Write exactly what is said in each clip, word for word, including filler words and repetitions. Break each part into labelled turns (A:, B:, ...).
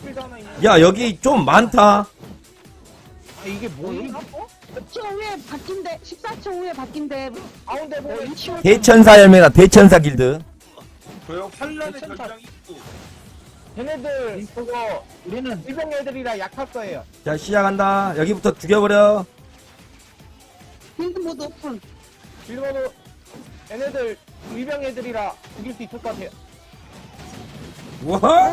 A: 실드 하나 있네.
B: 야, 여기 좀 많다.
A: 아, 이게 뭐야?
C: 십 초 후에 바뀐대. 십사 초 후에 바뀐대.
A: 가운데 보면 치워.
B: 대천사 열매가 대천사 길드.
D: 저요 환란의
A: 괜찮다.
D: 결장이 있고
A: 걔네들 그거
E: 우리는
A: 일병 애들이라 약할 거예요.
B: 자, 시작한다. 여기부터 죽여버려.
C: 빌드 모드 오픈.
A: 일본도 얘네들 일병 애들이라 죽일 수 있을 것 같아요.
B: 와!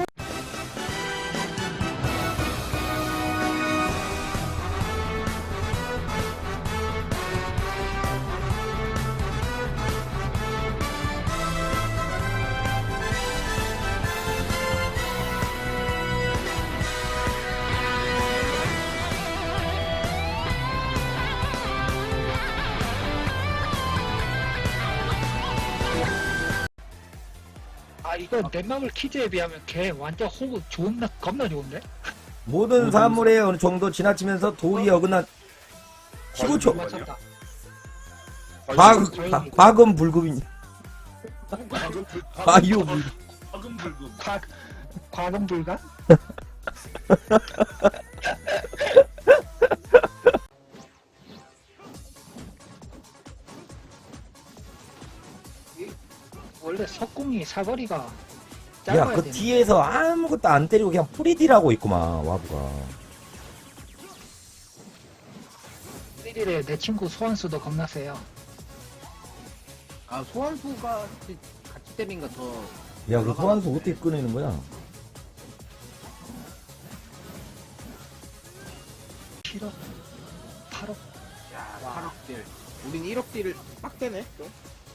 E: 아 이거 넷마블 키즈에 비하면 걔 완전 호구 좋은나 겁나 좋은데?
B: 모든 사물에 어느 정도 지나치면서 도리에 어긋난 십오 초.
E: 맞췄다.
B: 과, 과, 과금 불급인. 과유 불.
D: 과금 불금
E: 과 과금 불가? 원래 석궁이 사거리가 짧아야
B: 야, 그
E: 되는데.
B: 뒤에서 아무것도 안 때리고 그냥 프리딜하고 있구만, 와부가.
E: 일일에 내 친구 소환수도 겁나 세요.
F: 아 소환수가 같이, 같이 때리니까 더
B: 야, 그 소환수 어떻게 꺼내는 거야?
E: 칠억, 팔억.
F: 야, 팔억 딜. 우린 일억 딜을 빡대네. 또.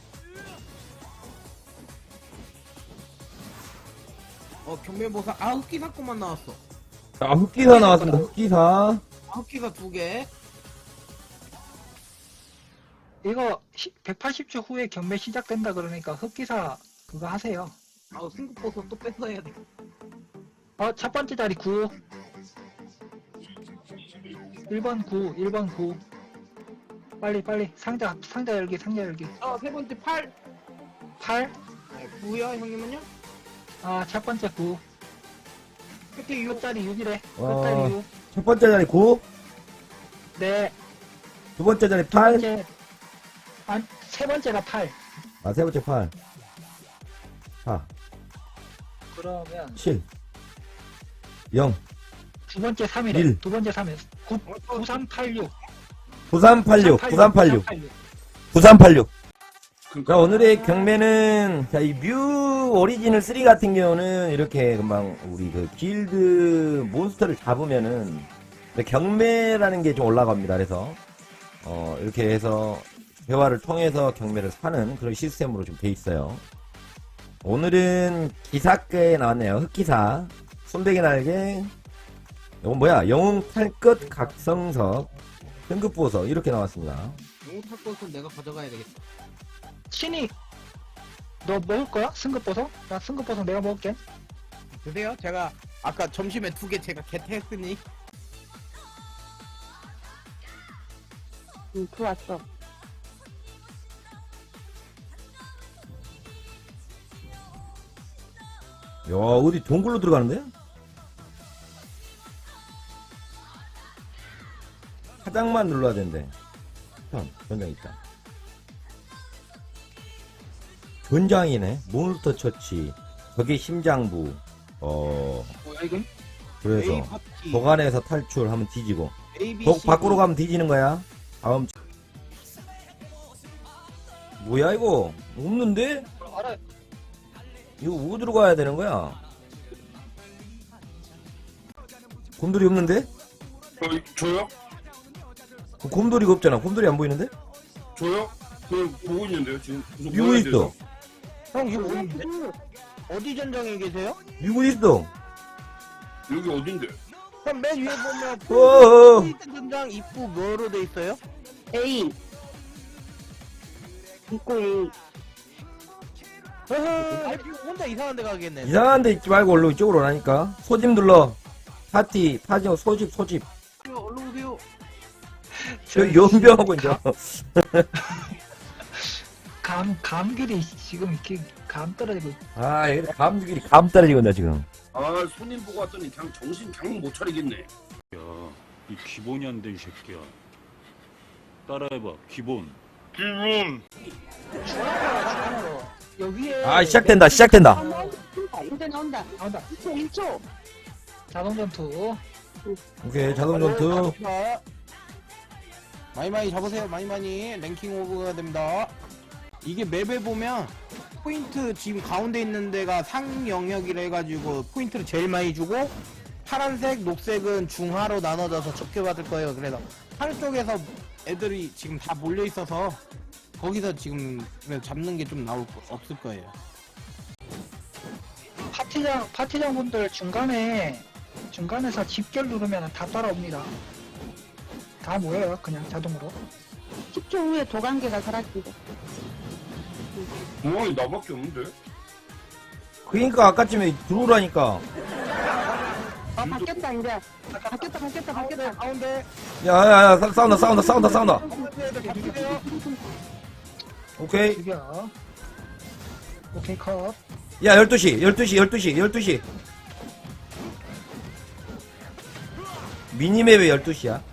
F: 어 경매보상 아 흑기사 것만 나왔어.
B: 아, 흑기사 나왔습니다, 흑기사.
F: 아, 흑기사 두 개.
E: 이거 백팔십 초 후에 경매 시작된다 그러니까 흑기사 그거 하세요.
F: 아우 승급 보석 또 뺏어야 돼.
E: 어, 첫 번째 자리 구. 일 번 구, 일 번 구. 빨리 빨리 상자 상자 열기 상자 열기.
F: 어세 번째 팔.
E: 팔.
F: 네, 구요 형님은요?
E: 아, 첫 번째 구.
F: 끝에 육.
E: 끝자리 육이래.
B: 와.
E: 끝자리 육.
B: 첫 번째 자리 구,
E: 네.
B: 두 번째 자리
E: 두
B: 팔,
E: 번째. 아, 세 번째가 팔.
B: 아, 세 번째 팔, 사,
E: 그러면
B: 칠, 영,
E: 두 번째 삼이래.
B: 일.
E: 두 번째 삼이. 구, 구삼팔육.
B: 구삼팔육, 구삼팔육, 구삼팔육. 자, 오늘의 경매는, 자, 이 뮤 오리지널 쓰리 같은 경우는 이렇게 금방 우리 그 길드 몬스터를 잡으면은 경매라는 게 좀 올라갑니다. 그래서, 어, 이렇게 해서 대화를 통해서 경매를 사는 그런 시스템으로 좀 돼 있어요. 오늘은 기사께 나왔네요. 흑기사, 손배기 날개, 이건 뭐야? 영웅 탈것 각성석, 등급 보석, 이렇게 나왔습니다.
F: 영웅 탈 것은 내가 가져가야 되겠다.
E: 신이 너 먹을 거야? 승급보석? 나 승급보석 내가 먹을게.
F: 드세요. 제가 아까 점심에 두 개 제가 개태했으니.
C: 응, 들어왔어.
B: 야, 어디 동굴로 들어가는데? 화장만 눌러야 된대. 편, 전장 있다. 전장이네. 몬스터 처치. 저게 심장부. 어,
E: 뭐야 이건?
B: 그래서
F: A 파티.
B: 도관에서 탈출하면 뒤지고.
F: A, B,
B: 독
F: C,
B: 밖으로
F: D.
B: 가면 뒤지는 거야. 다음. 뭐야 이거? 없는데?
E: 알아.
B: 이거 어디로 가야 되는 거야? 곰돌이 없는데?
D: 어, 저요?
B: 곰돌이가 없잖아. 곰돌이 안 보이는데?
D: 저요? 그냥 보고 있는데요 지금 계속
B: 뮤고
D: 보여야
B: 있어.
D: 돼서.
A: 형 이거 어딘데? 어디 전장에 계세요?
B: 뮤고 있어.
D: 여기 어딘데?
A: 형 맨 위에 보면
B: 어어.
A: 포인트 전장 입구 뭐로 돼 있어요?
C: A. 입고 A.
A: 아 지금 혼자 이상한 데 가겠네.
B: 이상한 데 있지 말고 얼른 이쪽으로 오라니까. 소집 눌러. 파티, 파지오, 소집, 소집.
F: 얼른 오세요.
B: 저 연병하고 이제.
E: 감 감길이 지금 이렇게 감 떨어지고.
B: 아, 여기 감들이 감 떨어지고 있다, 지금.
D: 아 손님 보고 왔더니 그냥 정신 그냥 못 차리겠네.
G: 야, 이 기본이 안 돼, 이 새끼야. 따라해봐, 기본. 기본.
E: 여기에
B: 아 시작된다 시작된다.
C: 아, 나온다. 이제 나온다.
E: 나온다.
C: 일 초, 일 초.
E: 자동 전투.
B: 오케이 자동 전투.
F: 많이 많이 잡으세요. 많이 많이 랭킹 오버가 됩니다. 이게 맵에 보면 포인트 지금 가운데 있는 데가 상 영역이라 해가지고 포인트를 제일 많이 주고 파란색, 녹색은 중하로 나눠져서 적게 받을 거예요. 그래서 상 쪽에서 애들이 지금 다 몰려 있어서 거기서 지금 그래서 잡는 게 좀 나올 거, 없을 거예요.
E: 파티장 파티장 분들 중간에 중간에서 집결 누르면 다 따라옵니다. 다 모여요. 그냥 자동으로.
C: 십 초 후에 도관계가 사라지고.
D: 뭐 나밖에 없는데?
B: 그러니까 아까쯤에 들어오라니까.
C: 아, 바뀌었다, 이제. 바뀌었다, 바뀌었다, 바뀌었다.
E: 가운데
B: 야야야 싸운다 싸운다 싸운다 싸운다.
E: 가운데 애들 다 죽여요.
B: 오케이.
E: 죽여. 오케이 컷.
B: 야 열두 시 열두 시 열두 시 열두 시. 미니맵에 열두 시야.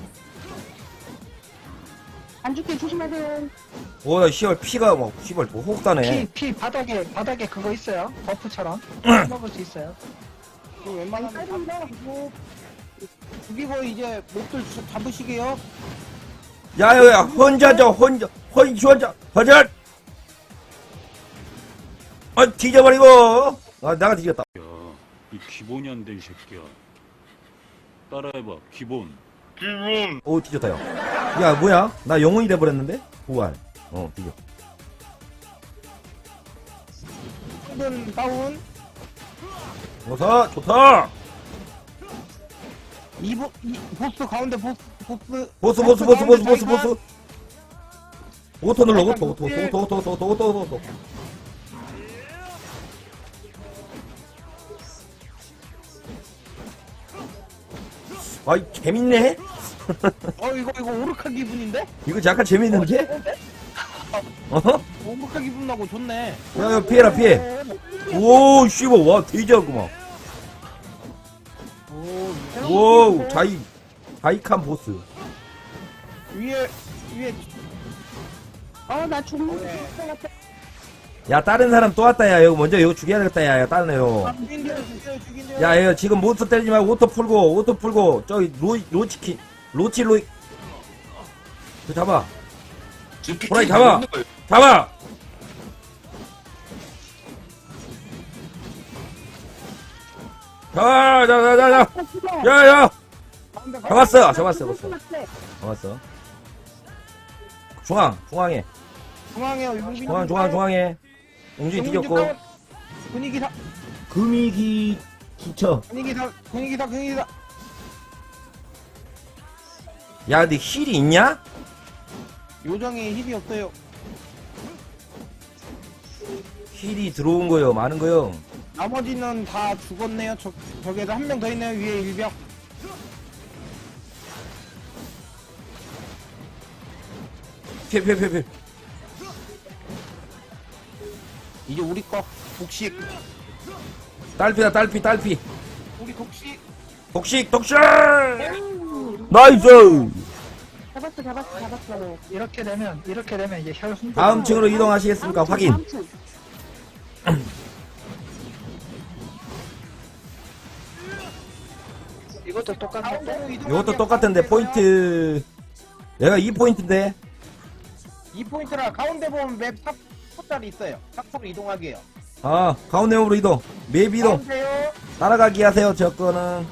C: 안 죽게 조심하세요.
B: 오야 시월 피가 막 시발 뭐 혹사네.
E: 피, 피 바닥에 바닥에 그거 있어요. 버프처럼 먹을 수 있어요.
F: 웬만하면 잡고 죽이고 이제 목들 자- 잡으시게요.
B: 야야야 혼자죠 혼자 혼자 혼자 허절. 아 뒤져버리고. 아 내가 뒤졌다.
G: 야, 이 기본이 안 돼, 이 새끼야. 따라해봐, 기본. 기본.
B: 오 뒤졌다 형. 야 뭐야 나 영혼이 돼버렸는데. 부활. 어 뒤져.
F: 은 다운.
B: 어서 좋다.
F: 이, 보, 이 보스 가운데 보스 보스
B: 보스 보스 보스 보스 보스
F: 가운데
B: 보스. 오토 눌러 오토 오토 오토 오토 오토 오토 오토 오토. 아이 재밌네.
F: 어 이거 이거 오르카 기분인데?
B: 이거 약간 재밌는데? 어?
F: 오르카 기분 나고 좋네.
B: 야야 피해라 피해. 오 씨발 와 돼지하구만.
F: 오
B: 오 자이 자이칸 보스.
F: 위에 위에
C: 어, 나 죽는 것 같아.
B: 야 다른 사람 또 왔다 야 이거 먼저 이거 죽여야 되겠다 야, 야 다른 애요.
F: 죽인대요 죽여요 죽인대요.
B: 야 이거 지금 몬스터 때리지 말고 오토 풀고 오토 풀고 저기 로 로치킨 로치 로이 저 잡아
D: 지피티
B: 호랑이 잡아!
D: 있는 거예요.
B: 잡아. 자자자자자 야야 잡았어 잡았어 잡았어 잡았어. 중앙 중앙에
F: 중앙에 용빈
B: 중앙 중앙 중앙에 웅진이 뒤졌고
F: 분위기 사
B: 금이기 기쳐.
F: 분위기 사 분위기 사 분위기 사.
B: 야 근데 힐이 있냐?
F: 요정에 힐이 없어요.
B: 힐이 들어온 거요 많은 거요.
F: 나머지는 다 죽었네요. 저 저기에도 한 명 더 있네요. 위에 일병.
B: 피해 피해 피해 피해.
F: 이제 우리 거 독식.
B: 딸피다 딸피 딸피.
F: 우리 독식.
B: 독식 독식. 나이스.
C: 잡았어, 잡았어, 잡았어.
E: 이렇게 되면 이렇게 되면 이제 혈 hunter.
B: 다음 층으로 이동하시겠습니까?
C: 다음 층,
B: 확인.
C: 다음 층.
E: 이것도 똑같은데.
B: 이것도 똑같은데 포인트 얘가 이 포인트인데.
F: 이 포인트라 가운데 보면 맵 탑, 탑자리 있어요. 탑으로 이동하게요.
B: 아 가운데 맵으로 이동. 맵 이동.
F: 가운데요.
B: 따라가기 하세요. 저 거는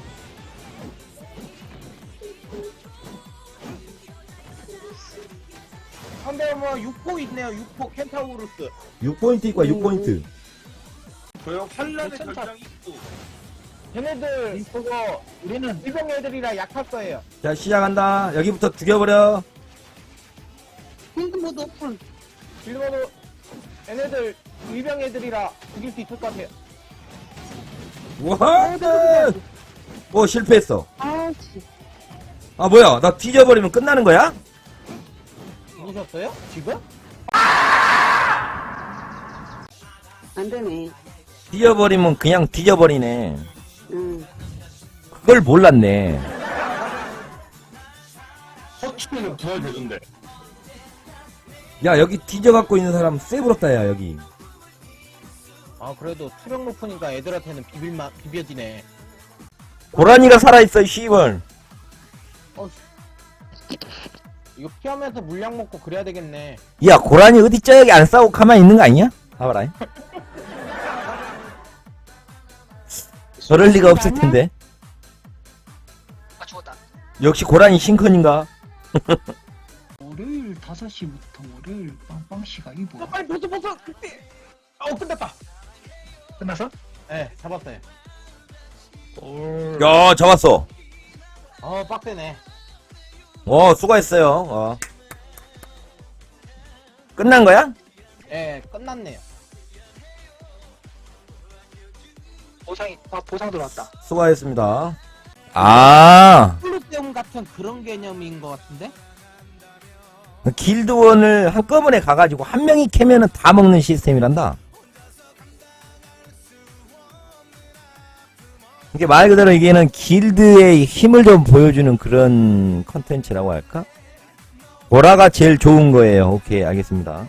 F: 가운데 뭐 육 포 있네요. 육 포 켄타우루스.
B: 육 포인트 있고 육 포인트.
D: 저요 환란의
E: 괜찮다.
D: 결장이 있고.
F: 걔네들 그거
E: 우리는
F: 일병 애들이라 약할 거예요.
B: 자 시작한다. 여기부터 죽여버려.
C: 필드 모드 오픈.
A: 빌드모드 얘네들 일병 애들이라 죽일 수 있을 것 같아요.
B: 와. 오 실패했어.
C: 아, 씨.
B: 아 뭐야 나 뒤져버리면 끝나는 거야?
F: 죽으셨어요? 지금?
C: 안 되네.
B: 뒤져버리면 그냥 뒤져버리네.
C: 응.
B: 그걸 몰랐네.
D: 허치면 부활되던데.
B: 야, 여기 뒤져갖고 있는 사람 쎄부럽다, 야, 여기.
F: 아 그래도 투력 높으니까 애들한테는 비빌마 비벼지네.
B: 고라니가 살아있어, 이 씨발.
F: 이거 피하면서 물량 먹고 그래야 되겠네.
B: 야, 고라니 어디 저기 안 싸우고 가만히 있는 거 아니야? 봐봐라. 저럴 리가 없을 텐데.
E: 아 죽었다.
B: 역시 고라니 싱컨인가?
E: 월요일 다섯 시부터 월요일 빵빵씨가 이보.
A: 어, 빨리 벗어 벗어. 그때. 어 끝났다.
E: 끝났어?
F: 네 잡았어요.
B: 야, 잡았어.
F: 어 빡세네.
B: 어, 수고했어요. 어. 끝난 거야?
F: 예 끝났네요.
E: 보상이 아 보상 들어왔다.
B: 수고하셨습니다. 아,
F: 콜로세움 같은 그런 개념인 것 같은데?
B: 길드원을 한꺼번에 가가지고 한 명이 캐면은 다 먹는 시스템이란다. 이게 말 그대로 이게는 길드의 힘을 좀 보여주는 그런 컨텐츠라고 할까? 보라가 제일 좋은 거예요. 오케이, 알겠습니다.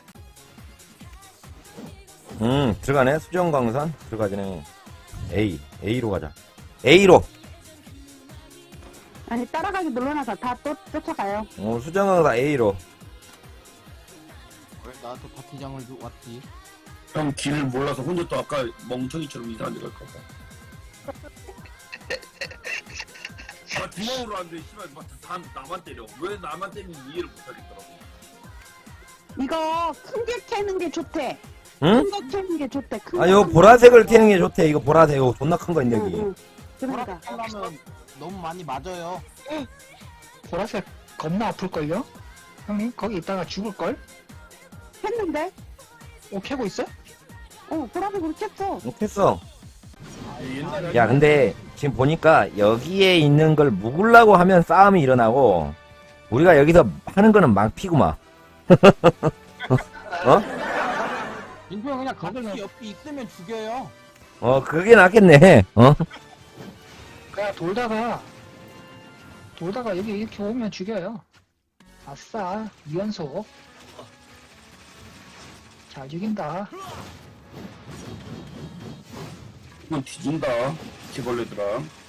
B: 음, 들어가네. 수정광산 들어가지네. A, A로 가자. A로.
C: 아니 따라가기 눌러놔서 다 또 쫓아가요.
B: 어, 수정광산 A로.
F: 왜 나한테 파티장을 주- 왔지?
D: 형 길을 몰라서 혼자 또 아까 멍청이처럼 이상한 데 갈까봐. 아 구멍으로 안 돼. 씨발 막 다 나만 때려. 왜 나만 때리는지 이해를 못하겠더라고.
C: 이거 큰 게 캐는 게 좋대.
B: 응?
C: 큰 거 캐는 게 좋대. 큰
B: 아,
C: 거
B: 요
C: 캐는
B: 보라색을 캐는 게 좋대. 이거 보라색. 이거 존나 큰 거 있네,
C: 응,
B: 여기.
C: 응. 그러니까
F: 하려면 너무 많이 맞아요.
E: 보라색 겁나 아플걸요? 형님 거기 있다가 죽을걸?
C: 했는데
E: 오 캐고 있어?
C: 어 보라색으로 켰어.
B: 이렇게 했어.
D: 옛날에
B: 야, 근데 지금 보니까 여기에 있는 걸 묵으려고 하면 싸움이 일어나고 우리가 여기서 하는 거는 망피구만. 어?
F: 인표 그냥 거기 옆에 있으면 죽여요.
B: 어, 그게 낫겠네. 어?
E: 그냥 돌다가 돌다가 여기 이렇게 오면 죽여요. 아싸 이연속. 잘 죽인다.
D: 이건 뒤진다. 기벌레들아.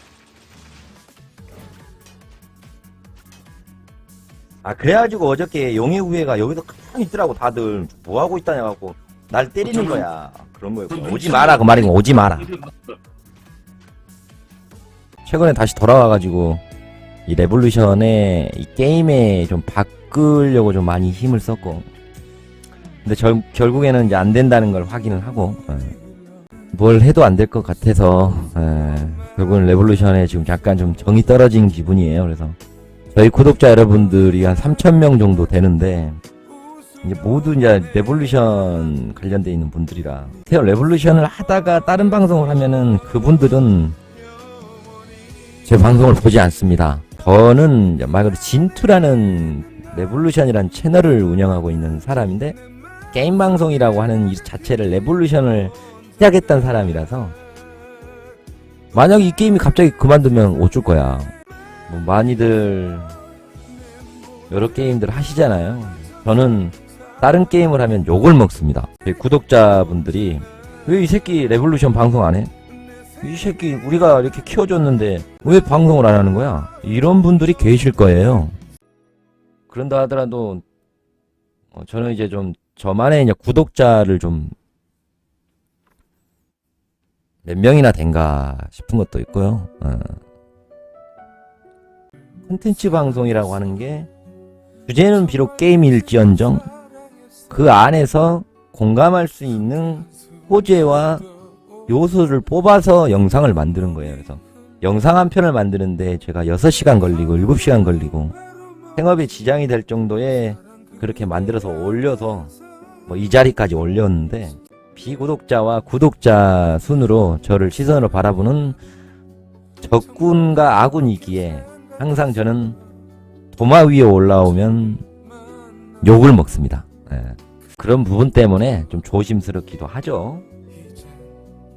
B: 아, 그래가지고 어저께 용의 후예가 여기서 가만히 있더라고. 다들 뭐 하고 있다냐 갖고 날 때리는 거야. 그런 거였고. 오지 마라 그 말이고 오지 마라. 최근에 다시 돌아와가지고 이 레볼루션에 이 게임에 좀 바꾸려고 좀 많이 힘을 썼고, 근데 절, 결국에는 이제 안 된다는 걸 확인을 하고, 에, 뭘 해도 안 될 것 같아서 에, 결국은 레볼루션에 지금 약간 좀 정이 떨어진 기분이에요. 그래서 저희 구독자 여러분들이 한 삼천 명 정도 되는데 이제 모두 이제 레볼루션 관련돼 있는 분들이라, 태어 레볼루션을 하다가 다른 방송을 하면은 그분들은 제 방송을 보지 않습니다. 저는 말 그대로 진투라는 레볼루션이라는 채널을 운영하고 있는 사람인데, 게임 방송이라고 하는 이 자체를 레볼루션을 시작했던 사람이라서 만약 이 게임이 갑자기 그만두면 어쩔 거야. 뭐 많이들 여러 게임들 하시잖아요. 저는 다른 게임을 하면 욕을 먹습니다. 저희 구독자분들이 왜 이 새끼 레볼루션 방송 안 해? 이 새끼 우리가 이렇게 키워줬는데 왜 방송을 안 하는 거야? 이런 분들이 계실 거예요. 그런다 하더라도 어, 저는 이제 좀 저만의 이제 구독자를 좀 몇 명이나 된가 싶은 것도 있고요. 어. 콘텐츠 방송이라고 하는 게 주제는 비록 게임일지언정 그 안에서 공감할 수 있는 소재와 요소를 뽑아서 영상을 만드는 거예요. 그래서 영상 한 편을 만드는데 제가 여섯 시간 걸리고 일곱 시간 걸리고 생업에 지장이 될 정도의 그렇게 만들어서 올려서 뭐 이 자리까지 올렸는데, 비구독자와 구독자 순으로 저를 시선으로 바라보는 적군과 아군이기에 항상 저는 도마 위에 올라오면 욕을 먹습니다. 예. 그런 부분 때문에 좀 조심스럽기도 하죠.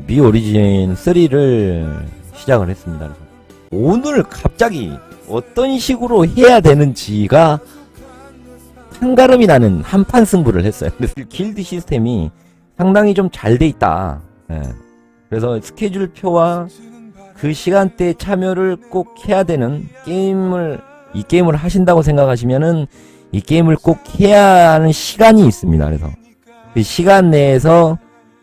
B: 미 오리진 쓰리를 시작을 했습니다. 그래서 오늘 갑자기 어떤 식으로 해야 되는지가 한가름이 나는 한판 승부를 했어요. 그래서 길드 시스템이 상당히 좀 잘 돼 있다. 예. 그래서 스케줄표와 그 시간대에 참여를 꼭 해야 되는 게임을, 이 게임을 하신다고 생각하시면은 이 게임을 꼭 해야 하는 시간이 있습니다. 그래서 그 시간 내에서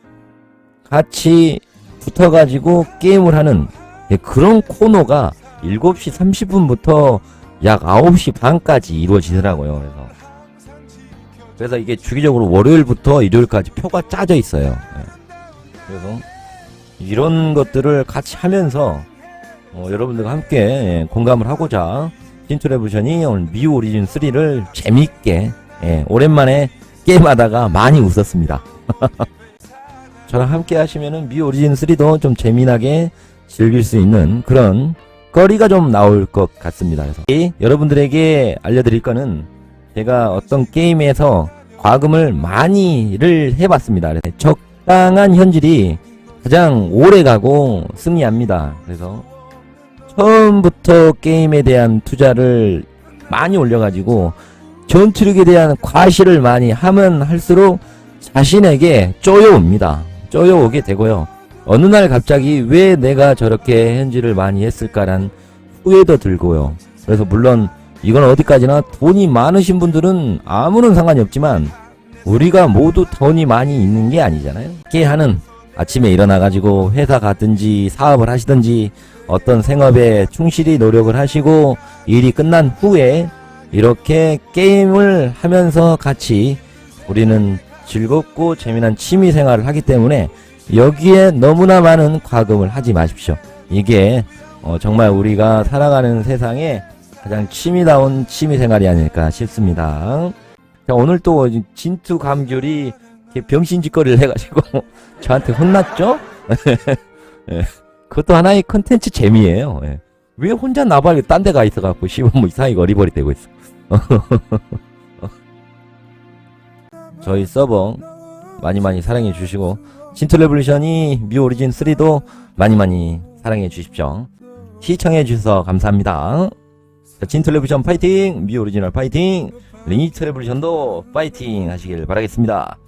B: 같이 붙어가지고 게임을 하는 그런 코너가 일곱 시 삼십 분부터 약 아홉 시 반까지 이루어지더라고요. 그래서 그래서 이게 주기적으로 월요일부터 일요일까지 표가 짜져 있어요. 예. 그래서 이런 것들을 같이 하면서 어, 여러분들과 함께 예, 공감을 하고자 찐트레부션이 오늘 미 오리진 쓰리를 재밌게 예, 오랜만에 게임하다가 많이 웃었습니다. 저랑 함께 하시면은 미 오리진 쓰리도 좀 재미나게 즐길 수 있는 그런 거리가 좀 나올 것 같습니다. 그래서 예, 여러분들에게 알려드릴 거는 제가 어떤 게임에서 과금을 많이를 해봤습니다. 적당한 현질이 가장 오래 가고 승리합니다. 그래서 처음부터 게임에 대한 투자를 많이 올려가지고 전투력에 대한 과실을 많이 하면 할수록 자신에게 쪼여옵니다. 쪼여오게 되고요. 어느 날 갑자기 왜 내가 저렇게 현질을 많이 했을까란 후회도 들고요. 그래서 물론 이건 어디까지나 돈이 많으신 분들은 아무런 상관이 없지만 우리가 모두 돈이 많이 있는 게 아니잖아요. 이렇게 하는 아침에 일어나가지고 회사 가든지 사업을 하시든지 어떤 생업에 충실히 노력을 하시고 일이 끝난 후에 이렇게 게임을 하면서 같이 우리는 즐겁고 재미난 취미 생활을 하기 때문에 여기에 너무나 많은 과금을 하지 마십시오. 이게 어 정말 우리가 살아가는 세상에 가장 취미다운 취미 생활이 아닐까 싶습니다. 자, 오늘 또 진투 감귤이 병신짓거리를 해가지고 저한테 혼났죠? 예. 그것도 하나의 컨텐츠 재미예요. 예. 왜 혼자 나발이 딴 데 가 있어갖고 씨발 뭐 이상하게 어리버리 되고 있어. 저희 서버 많이 많이 사랑해 주시고 진투 레볼루션이 미 오리진 쓰리도 많이 많이 사랑해 주십시오. 시청해 주셔서 감사합니다. 진투 레볼루션 파이팅! 미 오리지널 파이팅! 리니트 레볼루션도 파이팅 하시길 바라겠습니다.